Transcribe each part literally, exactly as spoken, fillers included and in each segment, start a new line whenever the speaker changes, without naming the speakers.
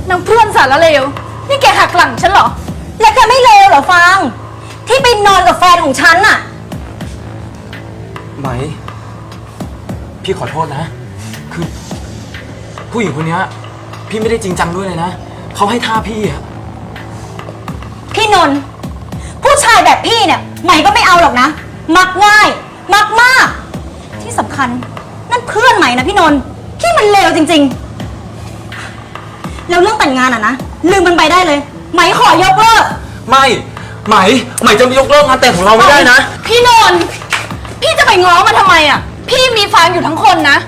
นางเพื่อนสารเลวนี่แกหักหลังฉันเหรอ
แล้วแกไม่เลวเหรอฟางที่ไปนอนกับแฟนของฉันน่ะ
ไหมพี่ขอโทษนะคือผู้หญิงคนนี้พี่ไม่ได้จริงจังด้วยเลยนะเขาให้ท่าพี่อะ
พี่นนท์ผู้ชายแบบพี่เนี่ยไหมก็ไม่เอาหรอกนะมักง่ายมักมากที่สำคัญนั่นเพื่อนไหมนะพี่นนท์ที่มันเลวจริงๆแล้วเรื่องแต่งงานอ่ะนะลืมมันไปได้เลยไหมขอยกเลิก
ไม่ไหมไหมจะยกเลิกงานแต่งของเราไม่ได้นะ
พี่นนท์พี่จะไปง้อมันทำไมอ่ะพี่มีฟางอยู่ทั้งคนนะ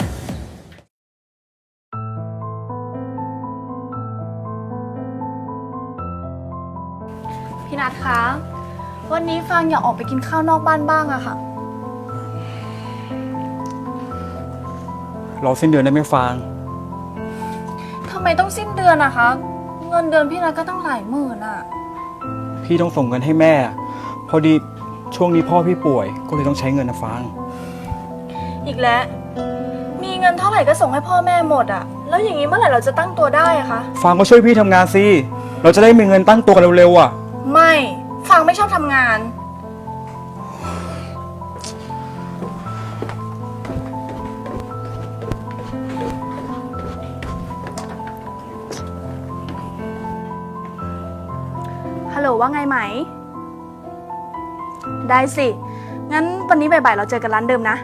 พี่นัทคะวันนี้ฟางอยากออกไปกินข้าวนอกบ้านบ้างอะค่ะ
รอสิ้นเดือนได้ไหมฟาง
ทำไมต้องสิ้นเดือนอะคะเงินเดือนพี่นัทก็ตั้งหลายหมื่นอะ
พี่ต้องส่งเงินให้แม่พอดีช่วงนี้พ่อพี่ป่วยก็เลยต้องใช้เงินนะฟาง
อีกแล้วมีเงินเท่าไหร่ก็ส่งให้พ่อแม่หมดอะแล้วอย่างนี้เมื่อไหร่เราจะตั้งตัวได้อะคะ
ฟางก็ช่วยพี่ทำงานสิเราจะได้มีเงินตั้งตัวกันเร็วๆอะ
ไม่ฟางไม่ชอบทำงานฮัลโหลว่าไงไหมได้สิงั้นวันนี้บ่ายๆเราเจอกันร้านเดิมนะ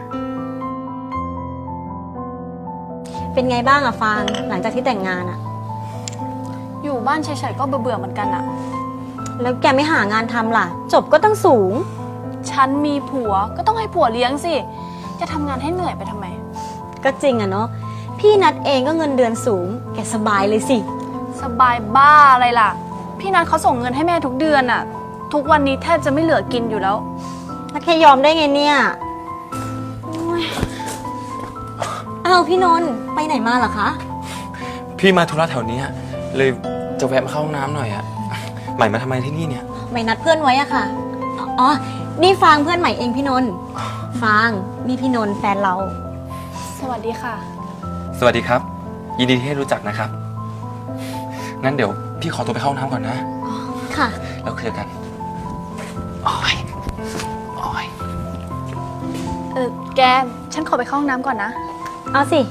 เป็นไงบ้างอะฟางหลังจากที่แต่งงานอะ
อยู่บ้านเฉยๆก็เบื่อๆเหมือนกันอะ
แล้วแกไม่หางานทำล่ะจบก็ต้องสูง
ฉันมีผัวก็ต้องให้ผัวเลี้ยงสิจะทำงานให้เหนื่อยไปทำไม
ก็จริงอะเนาะพี่นัดเองก็เงินเดือนสูงแกสบายเลยสิ
สบายบ้าอะไรล่ะพี่นัดเขาส่งเงินให้แม่ทุกเดือนอะทุกวันนี้แทบจะไม่เหลือกินอยู่แล้ว
แล้วแค่ยอมได้ไงเนี่ยอ้าวพี่นนท์ไปไหนมาเหรอคะ
พี่มาธุระแถวนี้เลยจะแวะมาเข้าห้องน้ำหน่อยอะใหม่มาทำไมที่นี่เนี่ย
ใหม่นัดเพื่อนไว้อะค่ะอ๋อนี่ฟางเพื่อนใหม่เองพี่นนท์ฟางนี่พี่นนท์แฟนเรา
สวัสดีค่ะ
สวัสดีครับยินดีที่ได้รู้จักนะครับงั้นเดี๋ยวพี่ขอตัวไปเข้าห้องน้ำก่อนนะ
ค่ะ
แล้วคุยกันโอ้ยโอ้ย
เออแกฉันขอไปเข้าห้องน้ำก่อนนะ
เอาสิ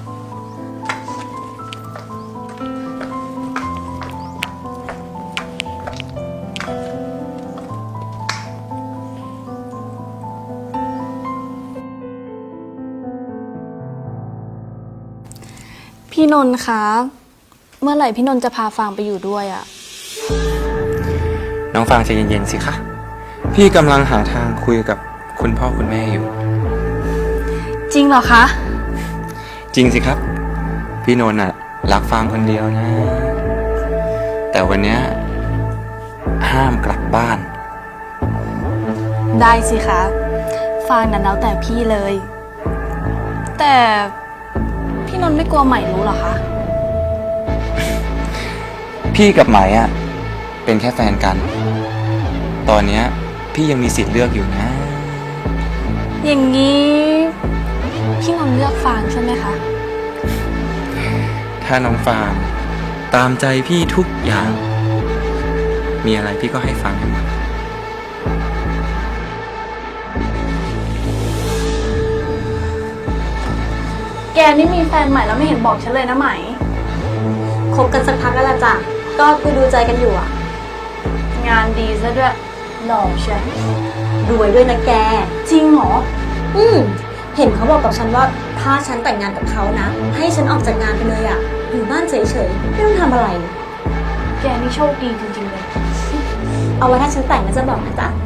พี่นนท์คะเมื่อไหร่พี่นนท์จะพาฟางไปอยู่ด้วยอะ
น้องฟางใจเย็นๆสิคะพี่กำลังหาทางคุยกับคุณพ่อคุณแม่อยู่
จริงเหรอคะ
จริงสิครับพี่นนท์น่ะรักฟางคนเดียวนะแต่วันนี้ห้ามกลับบ้าน
ได้สิคะฟางนั้นแล้วแต่พี่เลยแต่พี่นนท์ไม่กลัวใหม่รู้หรอคะ
พี่กับไหมอ่ะเป็นแค่แฟนกันตอนนี้พี่ยังมีสิทธิ์เลือกอยู่นะ
อย่างนี้พี่นนท์เลือกฟางใช่ไหมคะ
ถ้าน้องฟางตามใจพี่ทุกอย่างมีอะไรพี่ก็ให้ฟังให้หมด
แกนี่มีแฟนใหม่แล้วไม่เห็นบอกฉันเลยนะไหม
คบกันสักพักแล้วล่ะจ้ะก็คุยดูใจกันอยู่อะ
งานดีซะด้วยหล่อใช่
รวยด้วยนะแก
จริงเหรอ
อืมเห็นเขาบอกกับฉันว่าถ้าฉันแต่งงานกับเขานะให้ฉันออกจากงานไปเลยอะอยู่บ้านเฉยๆไม่ต้องทำอะไร
แกนี่โชคดีจริงๆเลย
เอาไว้ถ้าฉันแต่งแล้วจะบอกนะจ๊ะ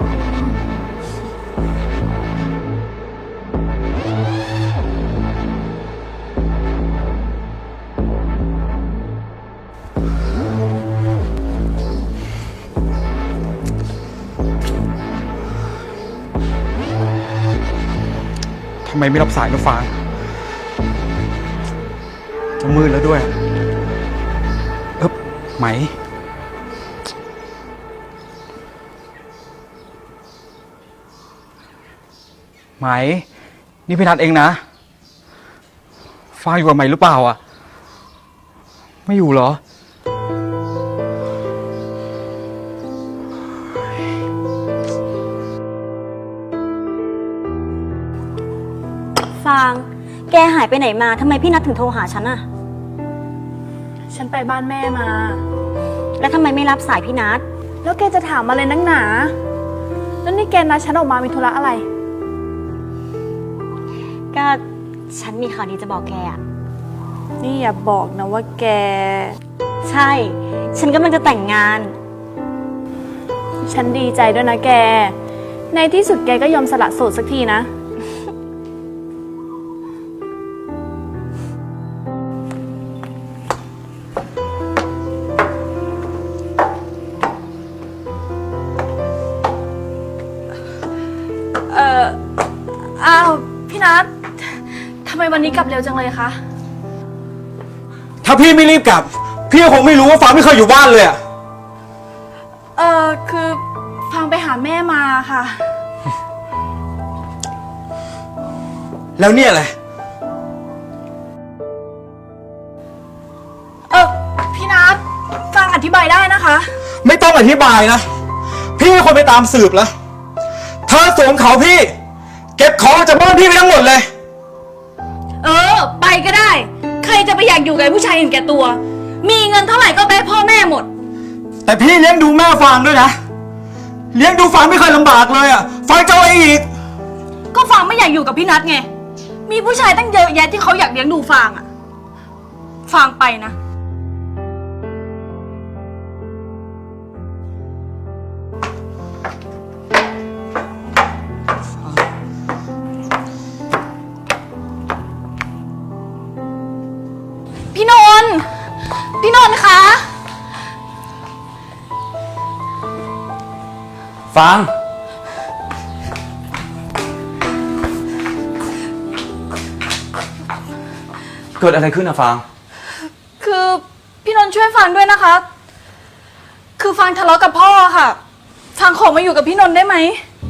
ทำไมไม่รับสายนะฟางจะมืดแล้วด้วยเอ๊บไหมไหมนี่พี่นัทเองนะฟางอยู่กับไหมหรือเปล่าอ่ะไม่อยู่เหรอ
าง แกหายไปไหนมาทำไมพี่นัทถึงโทรหาฉันอะ
ฉันไปบ้านแม่มา
แล้วทำไมไม่รับสายพี่นัท
แล้วแกจะถามอะไรนักหนา แล้วนี่แกนัดฉันออกมามีธุระอะไร
ก็ฉันมีข่าวดีจะบอกแกอะ
นี่อย่าบอกนะว่าแก
ใช่ ฉันกำลังจะแต่งงาน
ฉันดีใจด้วยนะแก ในที่สุดแกก็ยอมสละโสดสักทีนะ เอ่อ อ้าว พี่นัททำไมวันนี้กลับเร็วจังเลยคะ
ถ้าพี่ไม่รีบกลับ พี่ก็คงไม่รู้ว่าฟางไม่เคยอยู่บ้านเลยอะ
เออคือฟังไปหาแม่มาค่ะ
แล้วเนี่ยอะไร
เออพี่นัทฟังอธิบายได้นะคะ
ไม่ต้องอธิบายนะ พี่เป็นคนไปตามสืบแล้วเธอสวมเขาพี่ เก็บของจากบ้านพี่ไปทั้งหมดเลย
เออ ไปก็ได้ ใครจะไปอยากอยู่กับผู้ชายเห็นแก่ตัว มีเงินเท่าไหร่ก็แบพ่อแม่หมด
แต่พี่เลี้ยงดูแม่ฟางด้วยนะ เลี้ยงดูฟางไม่เคยลำบากเลยอะฟางเจ้าไอ้อีก
ก็ฟังไม่อยากอยู่กับพี่นัทไง มีผู้ชายตั้งเยอะแยะที่เขาอยากเลี้ยงดูฟางอะฟังไปนะ พี่นนท์พี่นนท์คะ
ฟาง เกิดอะไรขึ้นอะฟาง
คือพี่นนท์ช่วยฟังด้วยนะคะ คือฟังทะเลาะกับพ่อค่ะ ฟังขอมาอยู่กับพี่นนท์ได้ไหม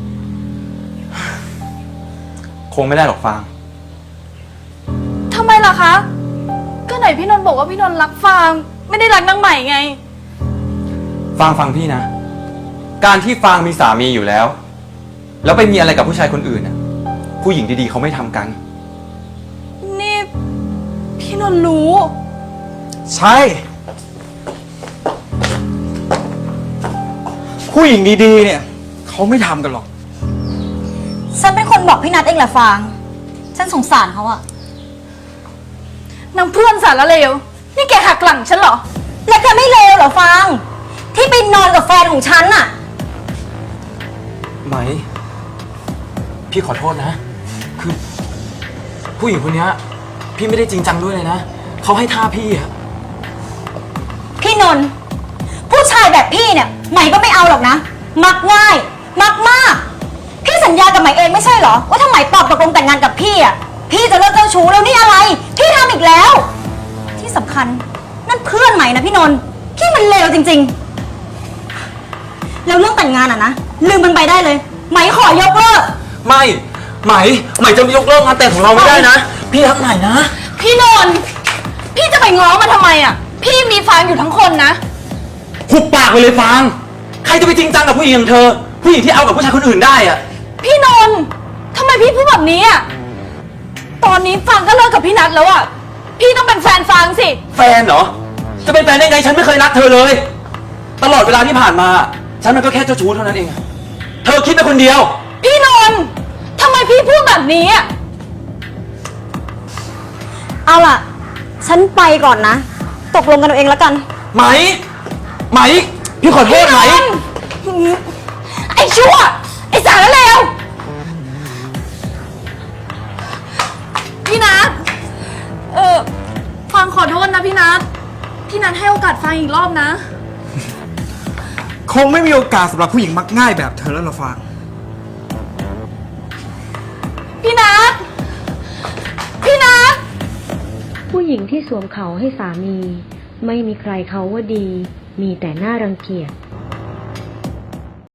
คงไม่ได้หรอกฟาง
ทำไมล่ะคะ ก็ไหนพี่นนท์บอกว่าพี่นนท์รักฟางไม่ได้รักนางใหม่ไง
ฟางฟังพี่นะ การที่ฟางมีสามีอยู่แล้ว แล้วไปมีอะไรกับผู้ชายคนอื่นน่ะ ผู้หญิงดีๆเขาไม่ทำกัน
นี่พี่นนท์รู้
ใช่ ผู้หญิงดีๆเนี่ยเขาไม่ทำกันหรอก
ฉันเป็นคนบอกพี่นัทเองแหละฟาง ฉันสงสารเขาอะ
นางเพื่อนสารเลว นี่แกหักหลังฉันเหรอ
แล้วแกไม่เลวเหรอฟาง ที่ไปนอนกับแฟนของฉันอะ
ไหม พี่ขอโทษนะ คือ ผู้หญิงคนนี้พี่ไม่ได้จริงจังด้วยเลยนะ เขาให้ท่าพี่อะ
พี่นนท์ผู้ชายแบบพี่เนี่ยไหมก็ไม่เอาหรอกนะ มักง่าย มักมาก พี่สัญญากับไหมเองไม่ใช่เหรอ ว่าถ้าไหมตอบตกลงแต่งงานกับพี่อะพี่จะเลิกเจ้าชู้แล้วนี่อะไร พี่ทำอีกแล้ว ที่สำคัญนั่นเพื่อนไหมนะพี่นนท์พี่มันเลวจริงๆ แล้วเรื่องแต่งงานอะนะลืมมันไปได้เลย ไหมขอยกเลิก
ไม่ ไหม ไหมจะยกเลิกงานแต่งของเราไม่ได้นะ พี่รักไหมนะ
พี่นนท์พี่จะไปง้อมาทำไมอะพี่มีฟางอยู่ทั้งคนนะ
หุบปากไปเลยฟาง ใครจะไปจริงจังกับผู้หญิงอย่างเธอ ผู้หญิงที่เอากับผู้ชายคนอื่นได้อะ
พี่นนท์ทำไมพี่พูดแบบนี้อะตอนนี้ฟางก็เลิกกับพี่นัทแล้วอะพี่ต้องเป็นแฟนฟางสิ
แฟนเหรอ จะเป็นแฟนได้ไงฉันไม่เคยรักเธอเลย ตลอดเวลาที่ผ่านมา ฉันมันก็แค่เจ้าชู้เท่านั้นเองอะเธอคิดไปคนเดียว
พี่นนท์ทำไมพี่พูดแบบนี้อะ
เอาล่ะ ฉันไปก่อนนะ ตกลงกันเอาเองแล้วกัน
ไหม ไหม พี่ขอโทษไหม
ไอ้ชั่ว ไอ้สารเลวพี่นัทเออฟังขอโทษนะพี่นัทพี่นัทให้โอกาสฟังอีกรอบนะ
คงไม่มีโอกาสสำหรับผู้หญิงมักง่ายแบบเธอแล้วล่ะฟาง
พี่นัทพี่นัท
ผู้หญิงที่สวมเขาให้สามี ไม่มีใครเขาว่าดี มีแต่หน้ารังเกียจ